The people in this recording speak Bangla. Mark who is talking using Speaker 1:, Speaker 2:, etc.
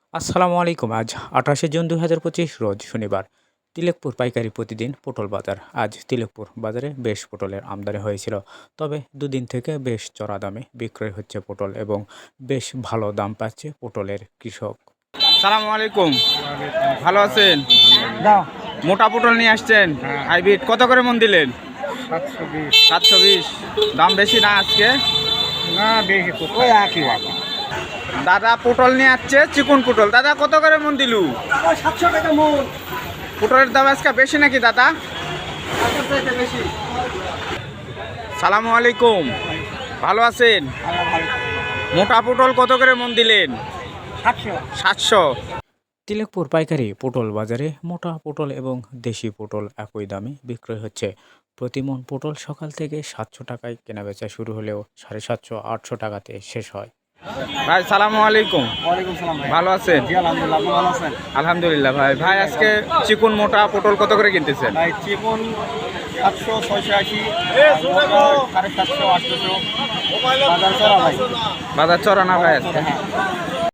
Speaker 1: আসসালামু আলাইকুম। আজ ২৮শে জুন ২০২৫ রোজ শনিবার। তিলেকপুর পাইকারি প্রতিদিন পটল বাজার। আজ তিলেকপুর বাজারে বেশ পটলের আমদানি হয়েছিল। তবে দুদিন থেকে বেশ চড়া দামে বিক্রয় হচ্ছে পটল এবং বেশ ভালো দাম পাচ্ছে পটলের কৃষক।
Speaker 2: সালামু আলাইকুম, ভালো আছেন? মোটা পটল নিয়ে আসছেন হাইব্রিড, কত করে মন দিলেন? 720। দাম বেশি না আজকে?
Speaker 3: না বেশি ওই একই বাবা।
Speaker 2: দাদা পটল নিয়ে আসছে, চিকন পটল। দাদা কত করে মন দিলু?
Speaker 3: 700 টাকা মন।
Speaker 2: পটলের দাম আজকে বেশি নাকি দাদা?
Speaker 3: বেশি।
Speaker 2: সালামু আলাইকুম, ভালো আছেন? মোটা পটল কত করে মন দিলেন? 700।
Speaker 1: তিলেকপুর পাইকারি পটল বাজারে মোটা পটল এবং দেশি পটল একই দামে বিক্রয় হচ্ছে। প্রতি মন পটল সকাল থেকে 700 টাকায় কেনাবেচা শুরু হলেও 750-800 টাকাতে শেষ হয়।
Speaker 2: ভাই সালামু আলাইকুম,
Speaker 3: ওয়ালাইকুম সালাম ভাই।
Speaker 2: ভালো আছেন?
Speaker 3: জি আলহামদুলিল্লাহ, আপনি ভালো আছেন?
Speaker 2: আলহামদুলিল্লাহ। ভাই ভাই আজকে চিকন মোটা পটল কত করে কিনতেছেন?
Speaker 3: ভাই চিকন 700, 680, 750, 800, বাজার চড়া ভাই।
Speaker 2: বাজার চড়া না ভাই আজকে?
Speaker 3: হ্যাঁ।